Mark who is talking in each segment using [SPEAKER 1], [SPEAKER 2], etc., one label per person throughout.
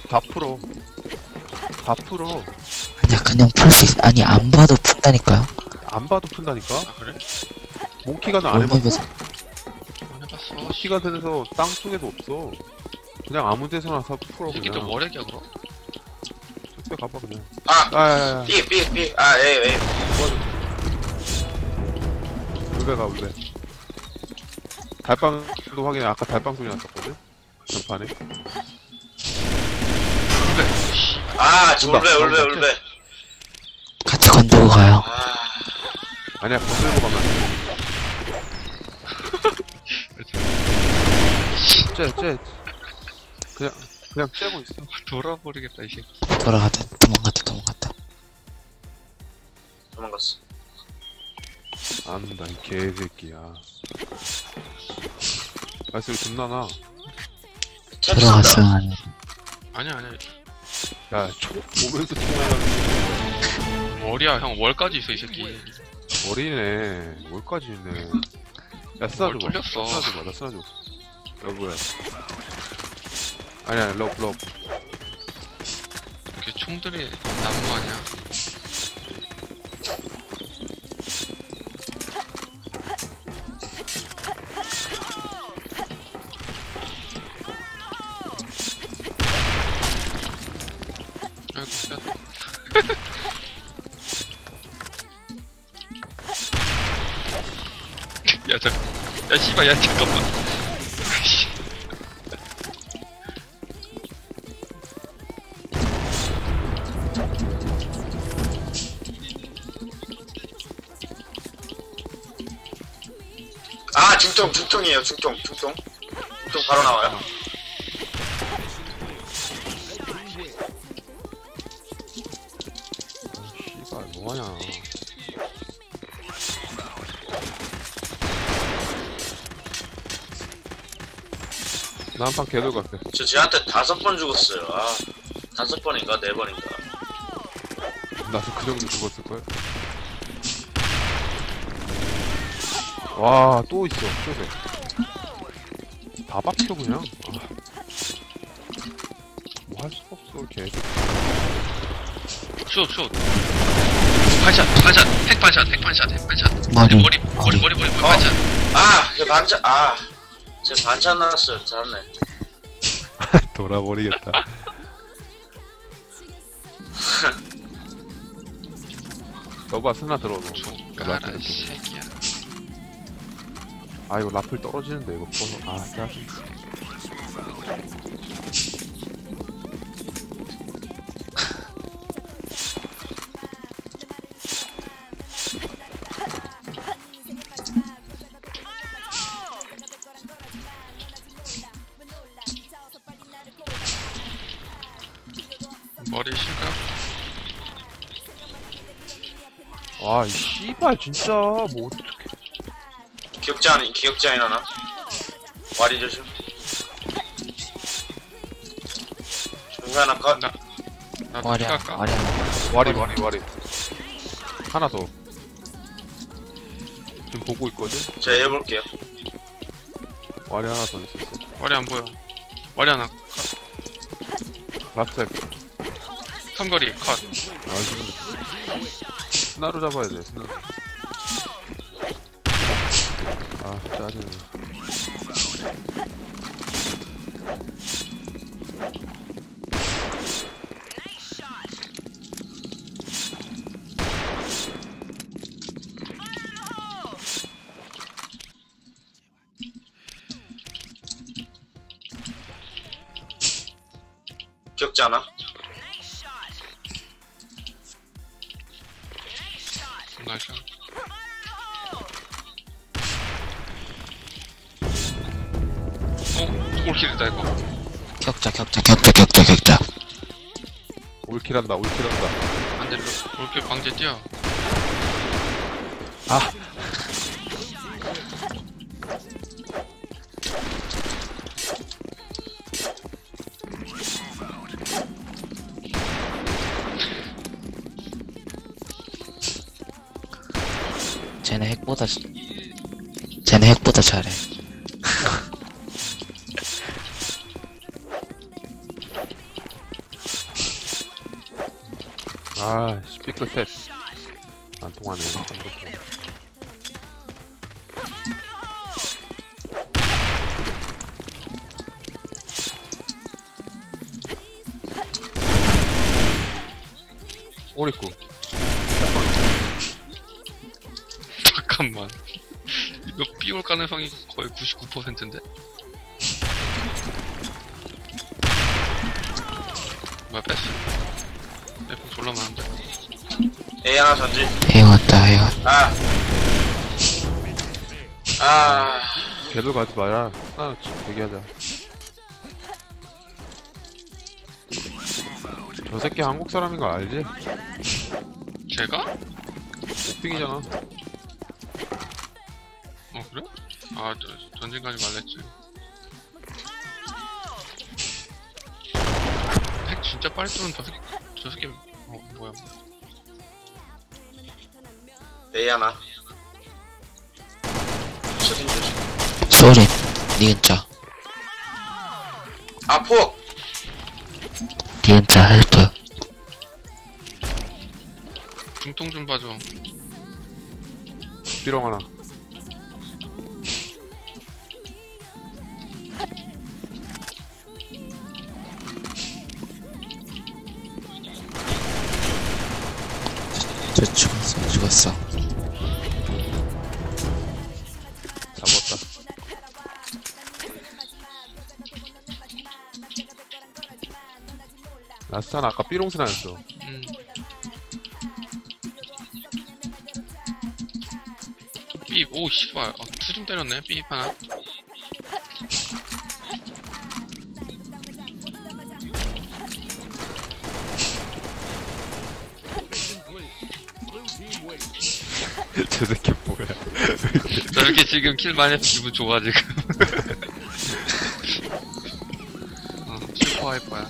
[SPEAKER 1] 다 풀어. 다 풀어.
[SPEAKER 2] 아니야, 그냥 풀 수 있어. 아니, 안 봐도 푼다니까요.
[SPEAKER 1] 안 봐도 푼다니까?
[SPEAKER 3] 아 그래?
[SPEAKER 1] 몽키가는 안 해봤어?
[SPEAKER 2] 월맵에서.
[SPEAKER 3] 안 해봤어.
[SPEAKER 1] 몽키가든에서 땅속에도 없어. 그냥 아무 데서나 다 풀어,
[SPEAKER 3] 이게
[SPEAKER 1] 그냥.
[SPEAKER 3] 또 월액이야 그럼?
[SPEAKER 1] 저쪽에 가봐, 그냥.
[SPEAKER 4] 아!
[SPEAKER 1] 아,
[SPEAKER 4] 삐. 아, 예.
[SPEAKER 1] 울베 가, 울베. 달빵도 확인해. 아까 달빵 소리 났었거든? 전판에.
[SPEAKER 3] 그래. 씨.
[SPEAKER 4] 아,
[SPEAKER 1] 온다.
[SPEAKER 4] 울베.
[SPEAKER 2] 같이 건들고 가요.
[SPEAKER 4] 아,
[SPEAKER 1] 아니야, 건들고 가면 안 돼. 쟤. 그냥 째고 있어.
[SPEAKER 3] 돌아버리겠다 이 새끼.
[SPEAKER 2] 도망갔다.
[SPEAKER 4] 도망갔어.
[SPEAKER 1] 안 온다, 이 개새끼야. 발소리 존나 나.
[SPEAKER 2] 들어갔어요, 아니.
[SPEAKER 3] 아니야.
[SPEAKER 1] 야, 보면서 총알하는
[SPEAKER 3] 월이야 형 월까지 있어 이 새끼.
[SPEAKER 1] 머리네. 뭘까지 있네. 야, 쓰나
[SPEAKER 3] 뭘
[SPEAKER 1] 줘봐.
[SPEAKER 3] 뚫렸어.
[SPEAKER 1] 나 쓰나 줘. 여보야. 아니야, 럽.
[SPEAKER 3] 이렇게 총들이 나무 아니야? 아이고 야 씨발 야 잠깐만. 씨.
[SPEAKER 4] 아, 중통이에요, 중통 바로 나와요.
[SPEAKER 1] 씨발, 뭐하냐. 나 한 판 개돌 갈게.
[SPEAKER 4] 저 쟤한테 5번 죽었어요. 아, 5번인가 4번인가.
[SPEAKER 1] 나도 그 정도 죽었을걸? 와, 또 있어, 쇼세. 다 박혀, 그냥. 아. 뭐 할 수가 없어, 개.
[SPEAKER 3] 슛. 반샷, 핵반샷.
[SPEAKER 2] 머리.
[SPEAKER 3] 머리, 반샷.
[SPEAKER 4] 아, 쟤 반찬 나왔어요. 잘했네.
[SPEAKER 1] 돌아버리겠다. 너가 스나 들어줘.
[SPEAKER 3] 가라 이 새끼야.
[SPEAKER 1] 아, 이거 라플 떨어지는데, 이거 퍼서. 아, 짜증.
[SPEAKER 3] 머리 실까?
[SPEAKER 1] 아, 이 씨발, 진짜. 뭐, 어떡해.
[SPEAKER 4] 기억자 하나. 와리 조심. 중간 하나 컷.
[SPEAKER 3] 나도
[SPEAKER 2] 와리야.
[SPEAKER 3] 할까?
[SPEAKER 1] 와리. 하나 더. 지금 보고 있거든?
[SPEAKER 4] 제가 해볼게요.
[SPEAKER 1] 와리 하나 더 있었어.
[SPEAKER 3] 와리 안 보여. 와리 하나.
[SPEAKER 1] 라스트
[SPEAKER 3] 삼거리 컷.
[SPEAKER 1] 아, 지금. 스나로 잡아야 돼, 스나. 아, 짜증나.
[SPEAKER 4] 기억자 하나.
[SPEAKER 3] 나이스. 올킬이다 이거.
[SPEAKER 2] 격자.
[SPEAKER 1] 올킬한다.
[SPEAKER 3] 안돼 올킬 방제 뛰어.
[SPEAKER 1] 아!
[SPEAKER 2] 쟤네 핵보다 잘해.
[SPEAKER 1] 아, 삐끗 셋. 안 통하네. 오리쿠.
[SPEAKER 3] 잠깐만. 이거 삐올 가능성이 거의 99%인데? 뭐야, 뺐어. 뺐고 졸라 많은데?
[SPEAKER 4] A 하나 전진.
[SPEAKER 2] A 왔다, A 왔다.
[SPEAKER 4] 아.
[SPEAKER 1] 걔도 가지 마라. 하나 대기하자. 저 새끼 한국 사람인 거 알지?
[SPEAKER 3] 제가?
[SPEAKER 1] 옥빙이잖아.
[SPEAKER 3] 어, 그래? 아, 전진 가지 말랬지. 핵 진짜 빨리 쏘는 저 새끼, 뭐야.
[SPEAKER 4] A 하나. 조심 조심.
[SPEAKER 2] 소리, 니은자.
[SPEAKER 4] 아, 폭!
[SPEAKER 2] 니은자 헬프.
[SPEAKER 3] 중통 좀 봐줘.
[SPEAKER 1] 삐롱 하나.
[SPEAKER 2] 저 죽었어.
[SPEAKER 1] 잡았다. 라스타는 아까 삐롱스나였어.
[SPEAKER 3] 삐, 오, 씨발. 투좀 때렸네, 삐 하나.
[SPEAKER 1] 저 새끼 뭐야.
[SPEAKER 3] 저렇게 지금 킬 많이 해서 기분 좋아, 지금. 슈퍼 하이퍼야.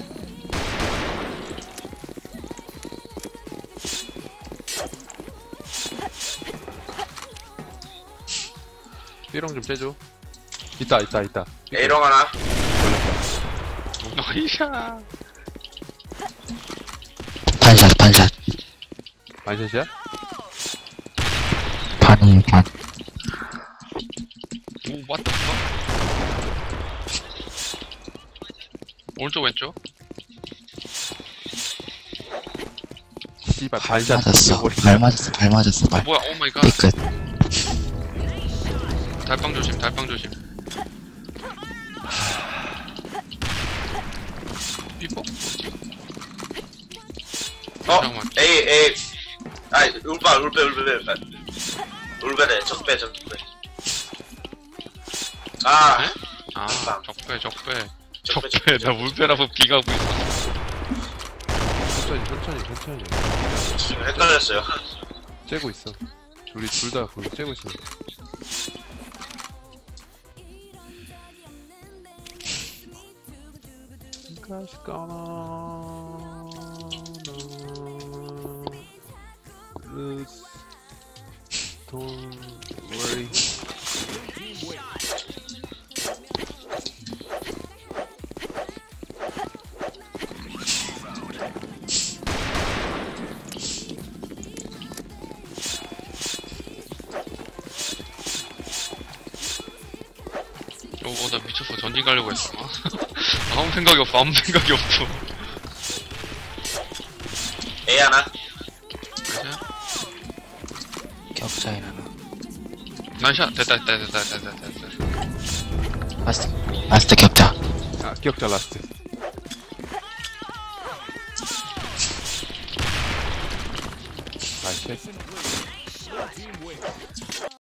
[SPEAKER 1] 삐롱 좀 째줘. 있다.
[SPEAKER 4] A롱 하나.
[SPEAKER 3] 나이샤.
[SPEAKER 2] 반샷.
[SPEAKER 1] 반샷이야?
[SPEAKER 2] 반.
[SPEAKER 3] 오, what the fuck? 오른쪽, 왼쪽?
[SPEAKER 1] 씨발 반샷.
[SPEAKER 2] 발 맞았어.
[SPEAKER 3] 뭐야, 오 마이 갓.
[SPEAKER 2] 삐끗.
[SPEAKER 3] 달빵 조심. 삐뽀? 잠깐만.
[SPEAKER 4] A. 아, 울베래, 적배. 아,
[SPEAKER 3] 네? 아,
[SPEAKER 4] 빵.
[SPEAKER 3] 적배.
[SPEAKER 4] 적배.
[SPEAKER 3] 나 물배라고 비가고 있어.
[SPEAKER 1] 천천히.
[SPEAKER 4] 지금 헷갈렸어요.
[SPEAKER 1] 째고 있어. 우리 둘 다 거기 째고 있어. Don't worry.
[SPEAKER 3] 나 미쳤어. 전진 가려고 했어. 아무 생각이 없어.
[SPEAKER 4] A 하나.
[SPEAKER 3] 그죠?
[SPEAKER 2] 격자인 하나.
[SPEAKER 3] 나이샷. 됐다.
[SPEAKER 2] 마스터 격자.
[SPEAKER 1] 아, 기억자 라스트. 나이스.